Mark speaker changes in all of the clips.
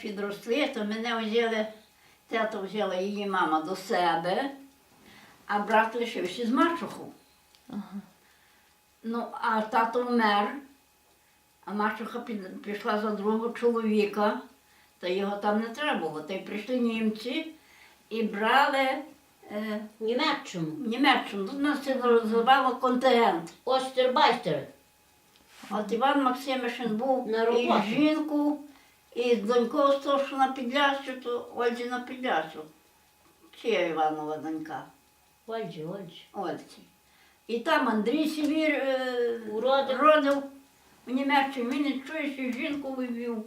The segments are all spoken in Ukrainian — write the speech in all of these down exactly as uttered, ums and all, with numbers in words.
Speaker 1: підросли, то мене взяли, тато взяла її мама до себе, а брат лишився з мачухою.
Speaker 2: Ага.
Speaker 1: Ну, а тато вмер, а мачуха під- пішла за другого чоловіка, та його там не треба було. Та й прийшли німці і брали е,
Speaker 3: Німеччину.
Speaker 1: в Німеччину. Тут нас це називало контингент.
Speaker 3: Остербайстер.
Speaker 1: От Іван Максимишин був
Speaker 3: На
Speaker 1: і
Speaker 3: роботу.
Speaker 1: жінку, і з донькою з того, що на Підлящу, то Ользі на Підлящу. Чия Іванова донька?
Speaker 3: Ольджі, Ольджі.
Speaker 1: Ольці. І там Андрій Сівір е,
Speaker 3: Уродив.
Speaker 1: родив в Німеччині. Він і чує, що жінку вивів.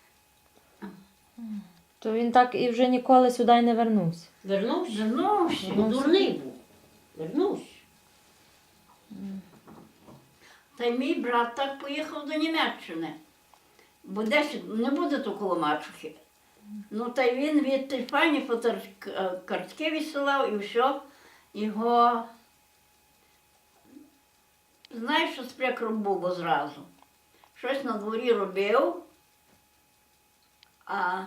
Speaker 2: То він так і вже ніколи сюди й не вернувся.
Speaker 3: Вернувся?
Speaker 1: Вернувся.
Speaker 3: Бо дурний був. Вернувся.
Speaker 1: Та й мій брат так поїхав до Німеччини. Бо десь не буде то коло мачухи. Ну, та й він від тієї пані фотор- картки відсилав і все. Його, знаєш, що спрекром було зразу. Щось на дворі робив, а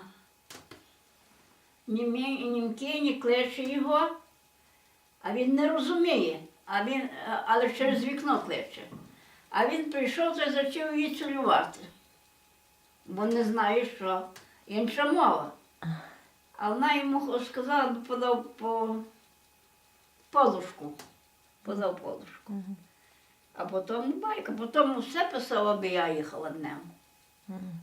Speaker 1: німі, німки не кличе його, а він не розуміє, а він, але через вікно кличе. А він прийшов та й почав її цілювати, бо не знає, що інша мова. А вона йому сказала, бо подав по подушку. Подав подушку.
Speaker 2: Мгм.
Speaker 1: А потім байка, потім все писав, аби я їхала днем.
Speaker 2: Мгм.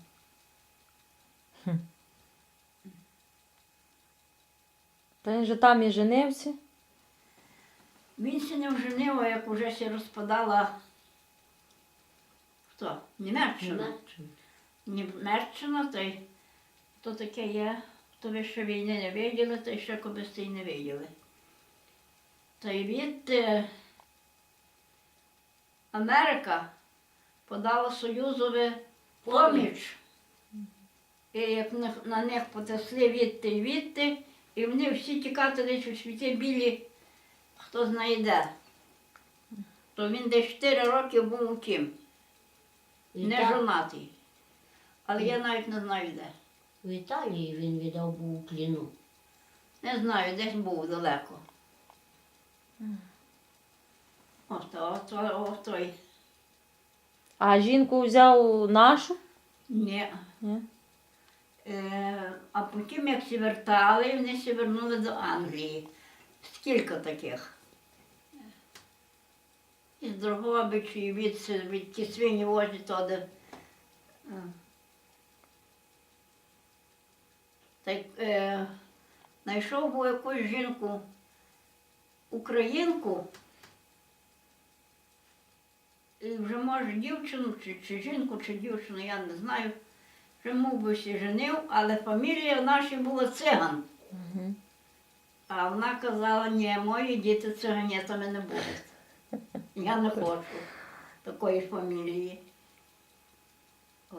Speaker 2: Та він же там і женився.
Speaker 1: Він се не вженив, а як уже се розпадала хто? Німеччина.
Speaker 3: Німеччина.
Speaker 1: Німеччина, то й то таке є, то ви ще війни не виділи, то й ще колись і не виділи. Та й від е, Америка подала Союзові поміч. І як на, на них потесли відти і відти, і вони всі тікати десь у світі білі, хто знає де. То він десь чотири роки був у тім,
Speaker 3: В
Speaker 1: не
Speaker 3: Іта-
Speaker 1: жонатий. Але я навіть не знаю де.
Speaker 3: В Італії він віддав був у пліну.
Speaker 1: Не знаю, десь був далеко. Ось то, ось то, ось той.
Speaker 2: А жінку взяв нашу?
Speaker 1: Ні.
Speaker 2: Ні?
Speaker 1: Е, а потім, як всі вертали, вони всі вернули до Англії. Скільки таких? Із Дрогобичі, і від, від ті свині возять туди. Е. Та й е, знайшов був якусь жінку, українку, і вже може дівчину, чи, чи жінку, чи дівчину, я не знаю. Вже мов би всі женив, але фамілія в нашій була циган.
Speaker 2: Угу.
Speaker 1: А вона казала, ні, мої діти циганетами не будуть. Я не хочу такої ж фамілії. О.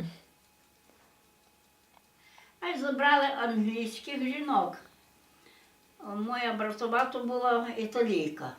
Speaker 1: А й забрали англійських жінок. О, моя братовата була італійка.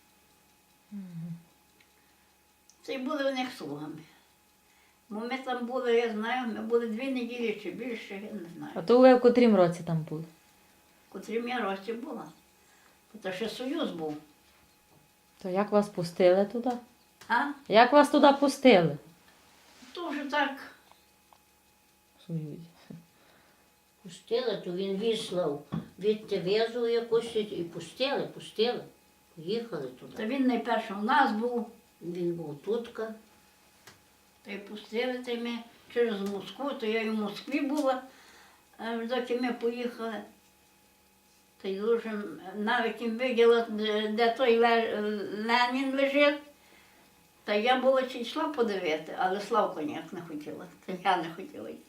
Speaker 1: Це й були в них слугами. Бо ми там були, я знаю, ми були дві неділі чи більше, я не
Speaker 2: А
Speaker 1: знаю.
Speaker 2: то ви в котрім році там були?
Speaker 1: В котрім я році була. Це ще Союз був.
Speaker 2: То як вас пустили туди?
Speaker 1: А?
Speaker 2: Як вас туди пустили?
Speaker 1: То вже так.
Speaker 2: В Союзі.
Speaker 3: Пустили, то він віслав відти везу якусь і пустили, пустили. Поїхали туди.
Speaker 1: Та він найперше у нас був,
Speaker 3: Він був тутка.
Speaker 1: та й пустили, та й ми через Москву, то я і в Москві була, аж доки ми поїхали. Та й дуже, навіть їм виділа, де, де той Ле- Ленін лежить. Та я була чи йшла подивити, але Славко ніяк не хотіла, та я не хотіла йти.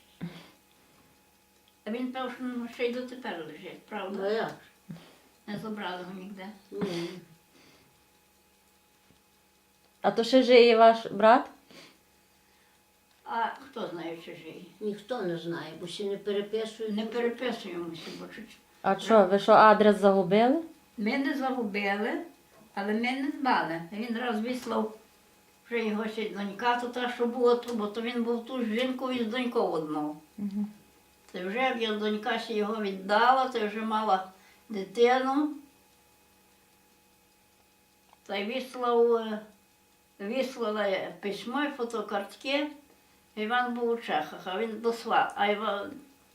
Speaker 1: А він певно, що ну, ще й дотепер лежить,
Speaker 3: Ну
Speaker 1: правда?
Speaker 3: як?
Speaker 1: Не забрали його ніде.
Speaker 3: Ні.
Speaker 2: А то ще жиє ваш брат?
Speaker 1: А хто знає, чи живий?
Speaker 3: Ніхто не знає, бо ще не переписують.
Speaker 1: Не переписуємося, бо чуть.
Speaker 2: А що, ви що, адрес загубили?
Speaker 1: Ми не загубили, але ми не дбали. Він раз вислав вже його ще донька, то та, що була тут, бо то він був ту з жінкою і з донькою одного.
Speaker 2: Угу.
Speaker 1: Та вже як я донька ще його віддала, то вже мала дитину. Та й вислав, е, вислала письмо і фотокартки. Іван був у Чехах, а він дослав. А Іван...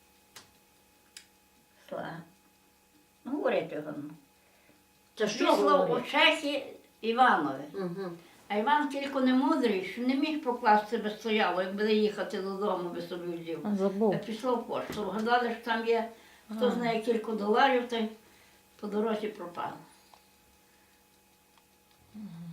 Speaker 1: Сла. Ну, говорити його.
Speaker 3: Та що
Speaker 1: Вислав у
Speaker 3: говорить?
Speaker 1: Чехи Іванові.
Speaker 3: Угу.
Speaker 1: А Іван тільки не мудрий, що не міг покласти би стояло, як буде їхати додому, би собі взяв.
Speaker 2: А, забув.
Speaker 1: Пішов в пошту. Вгадали, що там є, хто
Speaker 2: А.
Speaker 1: знає кілька доларів, та й по дорозі пропав.
Speaker 2: Ага.